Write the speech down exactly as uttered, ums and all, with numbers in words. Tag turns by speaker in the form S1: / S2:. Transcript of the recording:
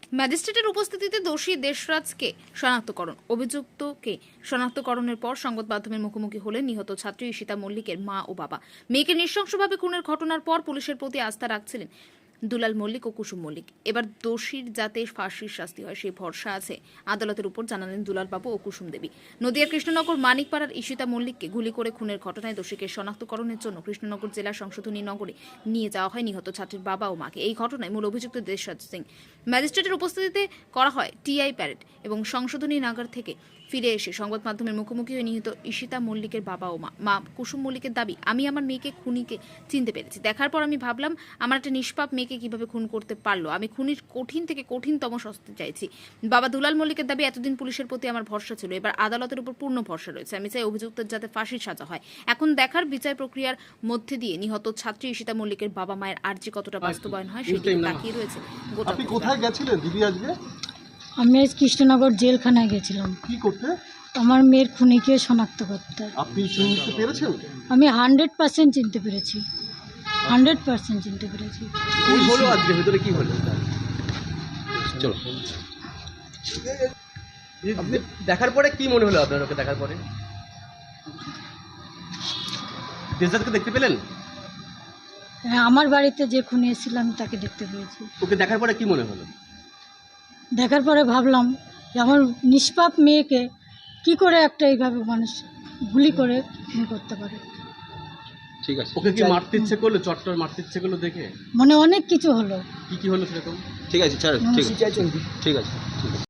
S1: ম্যাজিস্ট্রেটের উপস্থিতিতে দোষী দেশরাজকে শনাক্তকরণ। অভিযুক্তকে শনাক্তকরণের পর সংবাদ মাধ্যমের মুখোমুখি হলেন নিহত ছাত্রী ঈশিতা মল্লিকের মা ও বাবা। মেয়েকে নৃশংসভাবে খুনের ঘটনার পর পুলিশের প্রতি আস্থা রাখছিলেন দুলাল মল্লিক ও কুসুম মল্লিক। এবার দোষীর যাতে ফাঁসির শাস্তি হয় সেই ভরসা আছে আদালতের উপর, জানালেন দুলাল বাবু ও কুসুম দেবী। নদিয়ার কৃষ্ণনগর মানিকপাড়ার ঈশিতা মল্লিককে গুলি করে খুনের ঘটনায় দোষীকে শনাক্তকরণের জন্য কৃষ্ণনগর জেলা সংশোধনী নগরে নিয়ে যাওয়া হয় নিহত ছাত্রীর বাবা ও মাকে। এই ঘটনায় মূল অভিযুক্ত দেশরাজ সিং। ম্যাজিস্ট্রেটের উপস্থিতিতে করা হয় টিআই প্যারেড এবং সংশোধনী নগর থেকে ফিরে এসে সংবাদ মাধ্যমের মুখোমুখি হয়ে নিহত ঈশিতা মল্লিকের বাবা ও মা মা কুসুম মল্লিকের দাবি, আমি আমার মেয়েকে খুনিকে চিনতে পেরেছি। দেখার পর আমি ভাবলাম আমার একটা নিষ্পাপ মেয়েকে কিভাবে খুন করতে পারলো। আমি খুনির কঠিন থেকে কঠিনতম শাস্তি চাইছি। বাবা দুলাল মল্লিকের দাবি, এতদিন পুলিশের প্রতি আমার ভরসা ছিল, এবার আদালতের উপর পূর্ণ ভরসা রয়েছে। আমি চাই অভিযুক্তের যাতে ফাঁসির সাজা হয়। এখন দেখার বিচার প্রক্রিয়ার মধ্যে দিয়ে নিহত ছাত্রী ঈশিতা মল্লিকের বাবা মায়ের আর্জি কতটা বাস্তবায়ন হয় সেটি তাকিয়ে রয়েছে গোটা।
S2: আপনি কোথায় গেছিলেন দিদি আজকে?
S3: আমি আজ কৃষ্ণনগর জেলখানায় গেছিলাম
S2: কি করতে?
S3: আমার মেয়ের খুনিকে শনাক্ত করতে।
S2: আপনি চিনতে পেরেছেন?
S3: আমি হান্ড্রেড পার্সেন্ট চিনতে পেরেছি, হান্ড্রেড পার্সেন্ট চিনতে পেরেছি।
S4: কি হলো আজকে ভিতরে, কি হলো? চলো। আপনি দেখার পরে কি মনে হলো আপনার? ওকে দেখার পরে দেশরাজকে দেখতে পেলেন?
S3: হ্যাঁ, আমার বাড়িতে যে খুনি এসেছিল আমি তাকে দেখতে পেয়েছি।
S4: ওকে দেখার পরে কি মনে হলো?
S3: দেখার পরে ভাবলাম যে আমার নিষ্পাপ মেয়েকে কি করে একটা এইভাবে মানুষ গুলি করে খুন করতে পারে।
S4: ঠিক আছে। ওকে কি মারতে ইচ্ছে করলো? চট্টর মারতে ইচ্ছে করলো দেখে?
S3: মনে অনেক কিছু হলো।
S4: কি কি হলো সেরকম? ঠিক আছে, ছাড়ো। ঠিক আছে, ঠিক আছে।